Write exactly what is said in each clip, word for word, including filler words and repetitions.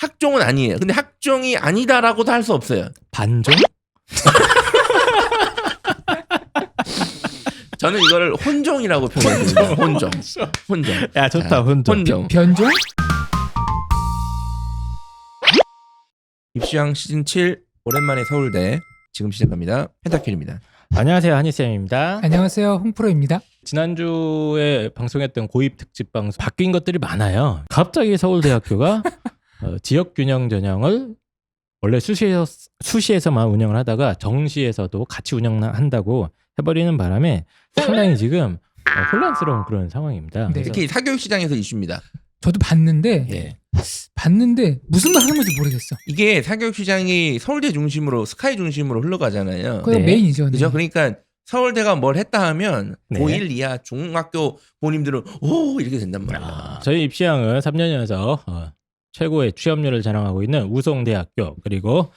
학종은 아니에요. 근데 학종이 아니다라고도 할 수 없어요. 반종? 저는 이거를 혼종이라고 표현해요. 혼종. 혼종. 야 좋다. 자, 혼종. 혼종. 변종? 입시왕 시즌 칠 오랜만에 서울대 지금 시작합니다. 펜타킬입니다. 안녕하세요, 한희쌤입니다. 안녕하세요, 홍프로입니다. 지난주에 방송했던 고입 특집 방송 바뀐 것들이 많아요. 갑자기 서울대학교가 어, 지역균형 전형을 원래 수시에서, 수시에서만 운영을 하다가 정시에서도 같이 운영한다고 해버리는 바람에 상당히 지금 어, 혼란스러운 그런 상황입니다. 네. 그래서 특히 사교육 시장에서 이슈입니다. 저도 봤는데 예. 봤는데 무슨 말 하는 건지 모르겠어. 이게 사교육 시장이 서울대 중심으로 스카이 중심으로 흘러가잖아요. 그게 네. 메인이죠. 네. 그죠? 그러니까 서울대가 뭘 했다 하면 네. 고일 이하 중학교 부모님들은 오 이렇게 된단 말이야. 아, 저희 입시왕은 삼 년 연속 어, 최고의 취업률을 자랑하고 있는 우송대학교, 그리고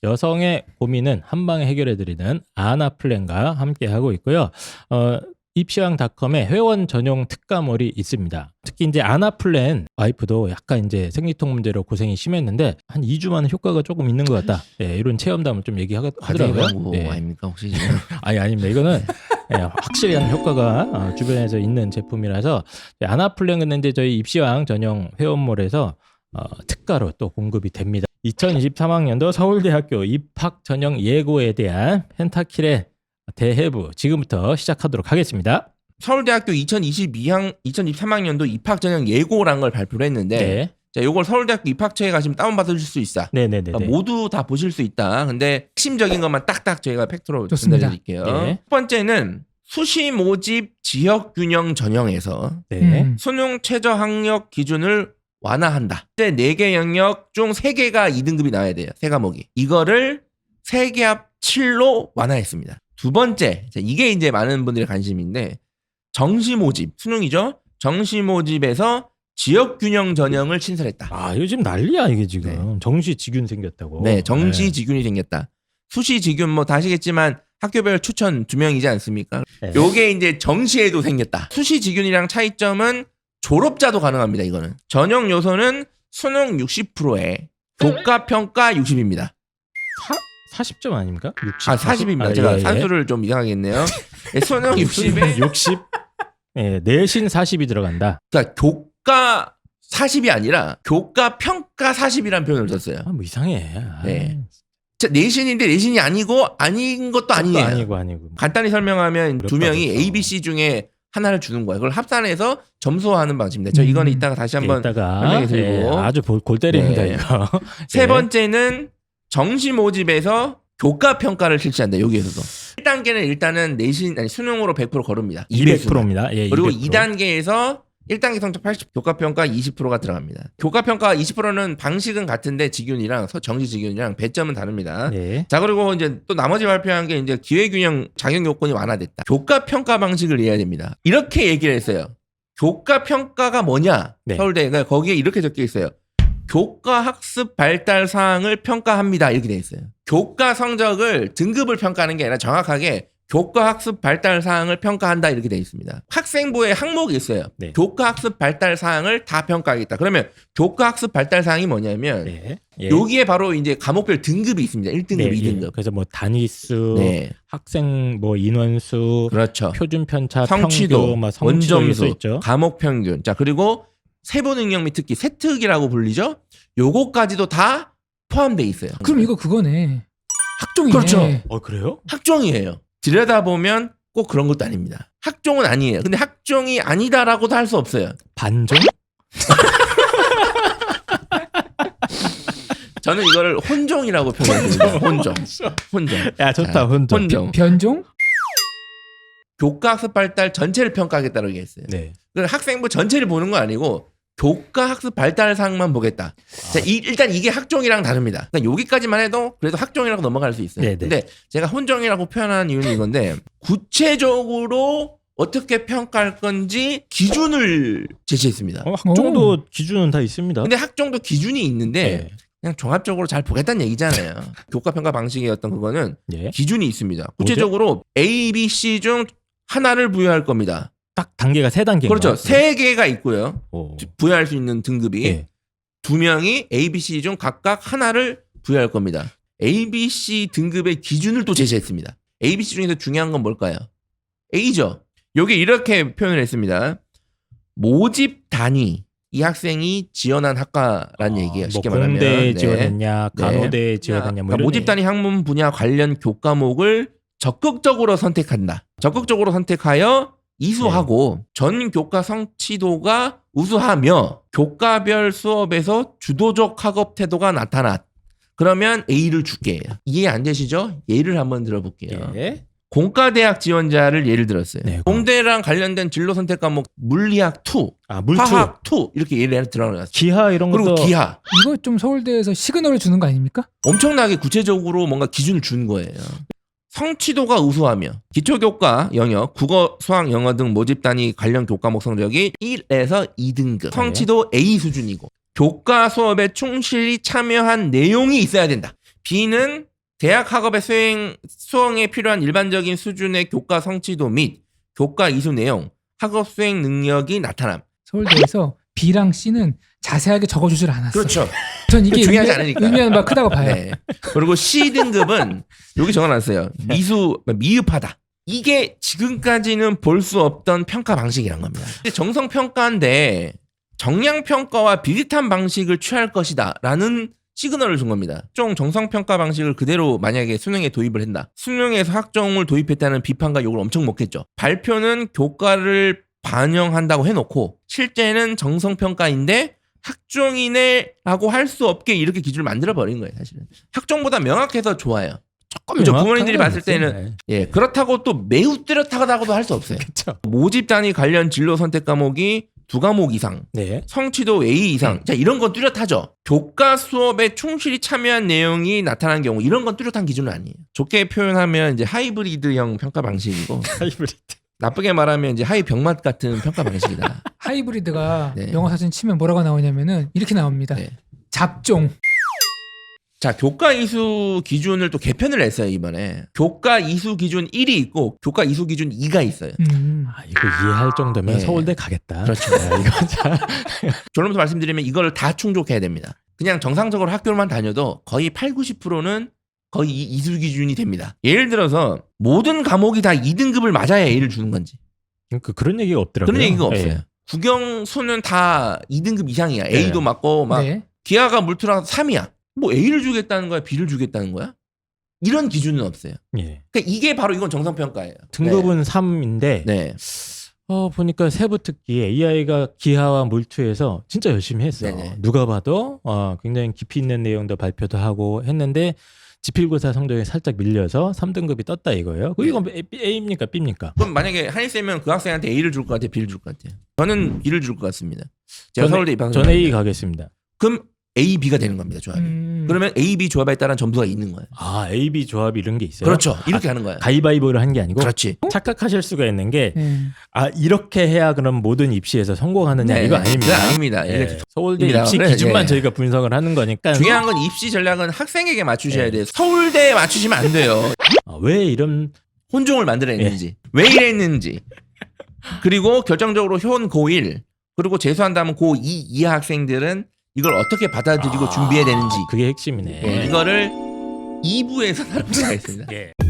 여성의 고민은 한방에 해결해드리는 아나플랜과 함께하고 있고요. 어, 입시왕닷컴에 회원 전용 특가몰이 있습니다. 특히 이제 아나플랜 와이프도 약간 이제 생리통 문제로 고생이 심했는데 한 이 주 만에 효과가 조금 있는 것 같다. 예, 이런 체험담을 좀 얘기하더라고요. 과대광고 예. 아닙니까 혹시 지금? 아니 아닙니다. 이거는 예, 확실한 효과가 어, 주변에서 있는 제품이라서 아나플랜 근데 이제 저희 입시왕 전용 회원몰에서 어, 특가로 또 공급이 됩니다. 이천이십삼 학년도 서울대학교 입학 전형 예고에 대한 펜타킬의 대해부 지금부터 시작하도록 하겠습니다. 서울대학교 이천이십이 학 이천이십삼 학년도 입학 전형 예고라는 걸 발표를 했는데 네, 자, 요걸 서울대학교 입학처에 가시면 다운받으실 수 있어. 네, 네, 네. 그러니까 모두 다 보실 수 있다. 근데 핵심적인 것만 딱딱 저희가 팩트로 좋습니다. 전달해드릴게요. 네. 첫 번째는 수시 모집 지역균형 전형에서 네. 음. 수능 최저 학력 기준을 완화한다. 이제 네 개 영역 중 세 개가 이 등급이 나와야 돼요. 세 과목이. 이거를 세 개 합 칠로 완화했습니다. 두 번째, 이게 이제 많은 분들의 관심인데 정시 모집, 수능이죠. 정시 모집에서 지역균형 전형을 신설했다. 아 요즘 난리야 이게 지금. 정시 지균 생겼다고. 네, 정시 네. 지균이 생겼다. 수시 지균 뭐 다 아시겠지만 학교별 추천 두 명이지 않습니까? 네. 요게 이제 정시에도 생겼다. 수시 지균이랑 차이점은 졸업자도 가능합니다. 이거는 전형 요소는 수능 육십 퍼센트에 교과 평가 육십입니다. 사십 점 아닙니까? 육십. 아 사십입니다. 아, 제가 예, 예. 산수를 좀 이상하게 했네요. 네, 수능 육십에 육십. 예, 내신 사십이 들어간다. 그러니까 교과 사십이 아니라 교과 평가 사십이라는 표현을 썼어요. 아, 뭐 이상해. 아, 네. 자, 내신인데 내신이 아니고 아닌 것도 아니에요. 아니고 아니고. 간단히 설명하면 두 어렵다, 명이 그렇죠. A, B, C 중에 하나를 주는 거예요. 그걸 합산해서 점수화하는 방식입니다. 저 음. 이거는 이따가 다시 한번 이따가 설명해 드리고. 예, 아주 볼- 골 때립니다 네. 이거. 세 예. 번째는 정시 모집에서 교과 평가를 실시한다. 여기에서도 일 단계는 일단은 내신 아니 수능으로 백 퍼센트 거릅니다. 이백 퍼센트입니다. 예, 그리고 이백 퍼센트. 이 단계에서 일 단계 성적 팔십, 교과 평가 이십 퍼센트가 들어갑니다. 교과 평가 이십 퍼센트는 방식은 같은데 지균이랑 서- 정시 지균이랑 배점은 다릅니다. 네. 자, 그리고 이제 또 나머지 발표한 게 이제 기회균형 자격 요건이 완화됐다. 교과 평가 방식을 이해해야 됩니다. 이렇게 얘기를 했어요. 교과 평가가 뭐냐? 네. 서울대가 거기에 이렇게 적혀 있어요. 교과 학습 발달 사항을 평가합니다. 이렇게 돼 있어요. 교과 성적을 등급을 평가하는 게 아니라 정확하게 교과 학습 발달 사항을 평가한다 이렇게 돼 있습니다. 학생부에 항목이 있어요. 네. 교과 학습 발달 사항을 다 평가하겠다. 그러면 교과 학습 발달 사항이 뭐냐면 네. 예. 여기에 바로 이제 과목별 등급이 있습니다. 일 등급, 네, 이 등급. 예. 그래서 뭐 단위수, 네. 학생 뭐 인원수, 그렇죠. 표준 편차, 성취도, 평균, 막 성취도 이럴 수 원점수, 있죠. 과목 평균. 자, 그리고 세부 능력 및 특기, 세특이라고 불리죠. 요거까지도 다 포함돼 있어요. 그럼 이거 그거네. 학종이네. 그렇죠. 어 그래요? 학종이에요. 들여다보면 꼭 그런 것도 아닙니다. 학종은 아니에요. 근데 학종이 아니다라고도 할 수 없어요. 반종? 저는 이거를 혼종이라고 표현합니다. 혼종. 혼종. 야 좋다 자, 혼종. 혼종. 변종? 교과 학습 발달 전체를 평가하겠다고 얘기했어요. 네. 그 학생부 전체를 보는 거 아니고 교과 학습 발달 사항만 보겠다. 자, 이, 일단 이게 학종이랑 다릅니다. 그러니까 여기까지만 해도 그래도 학종이라고 넘어갈 수 있어요. 네네. 근데 제가 혼종이라고 표현하는 이유는 이건데 구체적으로 어떻게 평가할 건지 기준을 제시했습니다. 어, 학종도 기준은 다 있습니다. 근데 학종도 기준이 있는데 네. 그냥 종합적으로 잘 보겠다는 얘기잖아요. 교과 평가 방식의 어떤 그거는 예. 기준이 있습니다. 구체적으로 A, B, C 중 하나를 부여할 겁니다. 딱 단계가 세 단계인가요? 그렇죠. 세 개가 있고요. 오. 부여할 수 있는 등급이 예. 두 명이 A, B, C 중 각각 하나를 부여할 겁니다. A, B, C 등급의 기준을 또 제시했습니다. A, B, C 중에서 중요한 건 뭘까요? A죠. 여기 이렇게 표현을 했습니다. 모집 단위, 이 학생이 지원한 학과라는 아, 얘기예요. 쉽게 뭐 말하면. 공대에 네. 지원했냐, 간호대에 네. 지원했냐, 뭐 그러니까 이런 모집 단위 학문 분야 관련 교과목을 적극적으로 선택한다. 적극적으로 선택하여 이수하고 네. 전 교과 성취도가 우수하며 교과별 수업에서 주도적 학업 태도가 나타났. 그러면 A를 줄게. 이해 안 되시죠? 예를 한번 들어볼게요. 예. 공과대학 지원자를 예를 들었어요. 네. 공대랑 관련된 진로 선택 과목 물리학 이, 아, 물투, 화학 이 이렇게 예를 들어놨어요. 기하 이런 그리고 것도 기하. 이거 좀 서울대에서 시그널을 주는 거 아닙니까? 엄청나게 구체적으로 뭔가 기준을 준 거예요. 성취도가 우수하며 기초교과 영역, 국어, 수학, 영어 등 모집 단위 관련 교과목 성적이 일에서 이 등급, 성취도 A 수준이고 교과 수업에 충실히 참여한 내용이 있어야 된다. B는 대학 학업의 수행, 수행에 필요한 일반적인 수준의 교과 성취도 및 교과 이수 내용, 학업 수행 능력이 나타남. 서울대에서 B랑 C는 자세하게 적어주질 않았어요. 그렇죠. 전 이게 중요하지 의미, 않으니까. 의미하는 바가 크다고 봐요. 네. 그리고 C 등급은 여기 적어놨어요. 미수, 미흡하다. 이게 지금까지는 볼 수 없던 평가 방식이란 겁니다. 정성 평가인데 정량 평가와 비슷한 방식을 취할 것이다 라는 시그널을 준 겁니다. 좀 정성 평가 방식을 그대로 만약에 수능에 도입을 한다. 수능에서 학종을 도입했다는 비판과 욕을 엄청 먹겠죠. 발표는 교과를 반영한다고 해놓고 실제는 정성 평가인데 학종이네라고 할 수 없게 이렇게 기준을 만들어 버린 거예요. 사실은 학종보다 명확해서 좋아요. 조금 그죠? 명확한 부모님들이 건 봤을 있어요. 때는 네. 예 그렇다고 또 매우 뚜렷하다고도 할 수 없어요. 그렇죠. 모집 단위 관련 진로 선택 과목이 두 과목 이상, 네. 성취도 A 이상. 자, 이런 건 뚜렷하죠. 교과 수업에 충실히 참여한 내용이 나타난 경우 이런 건 뚜렷한 기준은 아니에요. 좋게 표현하면 이제 하이브리드형 평가 방식이고 하이브리드. 나쁘게 말하면 이제 하이 병맛 같은 평가 방식이다. 하이브리드가 네. 영어 사진 치면 뭐라고 나오냐면은 이렇게 나옵니다. 네. 잡종. 자, 교과 이수 기준을 또 개편을 했어요, 이번에. 교과 이수 기준 일이 있고 교과 이수 기준 이가 있어요. 음. 아, 이거 이해할 정도면 네. 서울대 가겠다. 그렇죠. 아, 이거 참. 결론부터 말씀드리면 이걸 다 충족해야 됩니다. 그냥 정상적으로 학교만 다녀도 거의 팔, 구십 퍼센트는 거의 이 이수 기준이 됩니다. 예를 들어서 모든 과목이 다 이 등급을 맞아야 A를 주는 건지. 그 그런 얘기가 없더라고요. 그런 얘기가 없어요. 예. 국영수는 다 이 등급 이상이야. A도 네. 맞고 막 네. 기하가 물투랑 삼이야. 뭐 A를 주겠다는 거야? B를 주겠다는 거야? 이런 기준은 없어요. 예. 그러니까 이게 바로 이건 정상평가예요. 등급은 삼인데 네. 어 보니까 세부 특기에 이 아이가 기하와 물투에서 진짜 열심히 했어. 네네. 누가 봐도 어, 굉장히 깊이 있는 내용도 발표도 하고 했는데 지필고사 성적이 살짝 밀려서 삼 등급이 떴다 이거예요. 그 이건 A입니까 B입니까? 그럼 만약에 한일쌤은 그 학생한테 A를 줄 것 같아요? B를 줄 것 같아요? 저는 B를 줄 것 같습니다. 제가 전- 서울대 입학을 전 A 했는데. 가겠습니다. 그럼 A, B가 되는 겁니다. 조합이. 음. 그러면 A, B 조합에 따른 점수가 있는 거예요. 아 A, B 조합 이런 게 있어요? 그렇죠. 이렇게 하는 거예요. 가위바위보를 한 게 아니고 그렇지. 착각하실 수가 있는 게 네. 아 이렇게 해야 그럼 모든 입시에서 성공하느냐 네, 이거 아닙니다. 그건 아닙니다. 예. 이렇게 서울대 입니다. 입시 그래, 기준만 예. 저희가 분석을 하는 거니까 중요한 건 입시 전략은 학생에게 맞추셔야 네. 돼요. 서울대에 맞추시면 안 돼요. 아, 왜 이런 혼종을 만들어냈는지 왜 이랬는지 그리고 결정적으로 효원 고일 그리고 재수한 다음은 고이 이하 학생들은 이걸 어떻게 받아들이고 아, 준비해야 되는지 그게 핵심이네. 예, 이거를 이 부에서 다루도록 하겠습니다. 예.